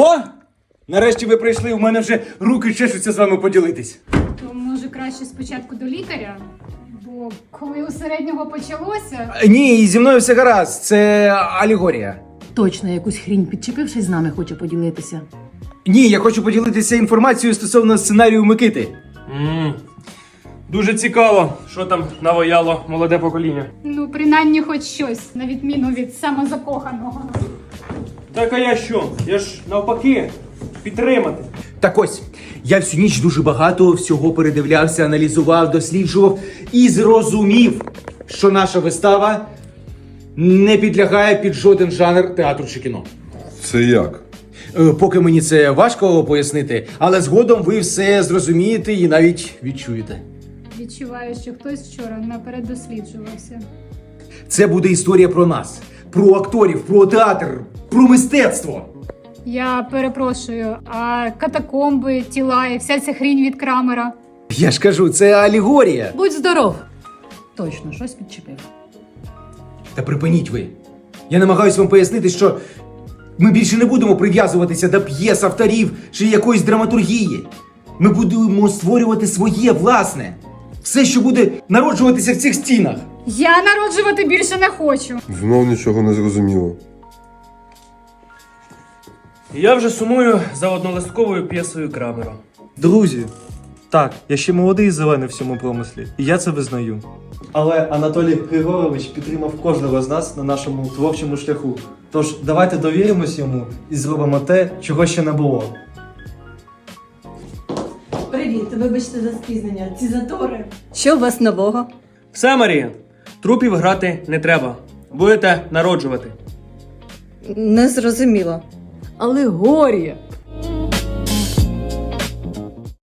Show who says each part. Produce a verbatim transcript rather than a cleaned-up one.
Speaker 1: О! Нарешті ви прийшли, у мене вже руки чешуться з вами поділитись.
Speaker 2: То може краще спочатку до лікаря? Бо коли у середнього почалося...
Speaker 1: Ні, зі мною все гаразд, це алегорія.
Speaker 3: Точно якусь хрінь підчепившись з нами, хоче поділитися.
Speaker 1: Ні, я хочу поділитися інформацією стосовно сценарію Микити.
Speaker 4: Ммм, дуже цікаво, що там навояло молоде покоління.
Speaker 2: Ну, принаймні хоч щось, на відміну від самозакоханого.
Speaker 4: Так а я що? Я ж навпаки, підтримати.
Speaker 1: Так ось, я всю ніч дуже багато всього передивлявся, аналізував, досліджував і зрозумів, що наша вистава не підлягає під жоден жанр театру чи кіно.
Speaker 5: Це як?
Speaker 1: Е, Поки мені це важко пояснити, але згодом ви все зрозумієте і навіть відчуєте.
Speaker 2: Відчуваю, що хтось вчора наперед досліджувався.
Speaker 1: Це буде історія про нас, про акторів, про театр, про мистецтво.
Speaker 2: Я перепрошую, а катакомби, тіла і вся ця хрінь від Крамера?
Speaker 1: Я ж кажу, це алегорія.
Speaker 3: Будь здоров! Точно, щось підчепив.
Speaker 1: Та припиніть ви. Я намагаюсь вам пояснити, що ми більше не будемо прив'язуватися до п'єс, авторів чи якоїсь драматургії. Ми будемо створювати своє власне. Все, що буде народжуватися в цих стінах.
Speaker 2: Я народжувати більше не хочу.
Speaker 5: Знов нічого не зрозуміло.
Speaker 4: Я вже сумую за однолистковою п'єсою Крамера.
Speaker 6: Друзі, так, я ще молодий і зелений в цьому промислі, і я це визнаю. Але Анатолій Григорович підтримав кожного з нас на нашому творчому шляху. Тож давайте довіримось йому і зробимо те, чого ще не було.
Speaker 7: Привіт, вибачте за спізнення. Ці затори. Що у вас нового?
Speaker 4: Все, Марія, трупів грати не треба. Будете народжувати.
Speaker 7: Не зрозуміло.
Speaker 3: Алегорія!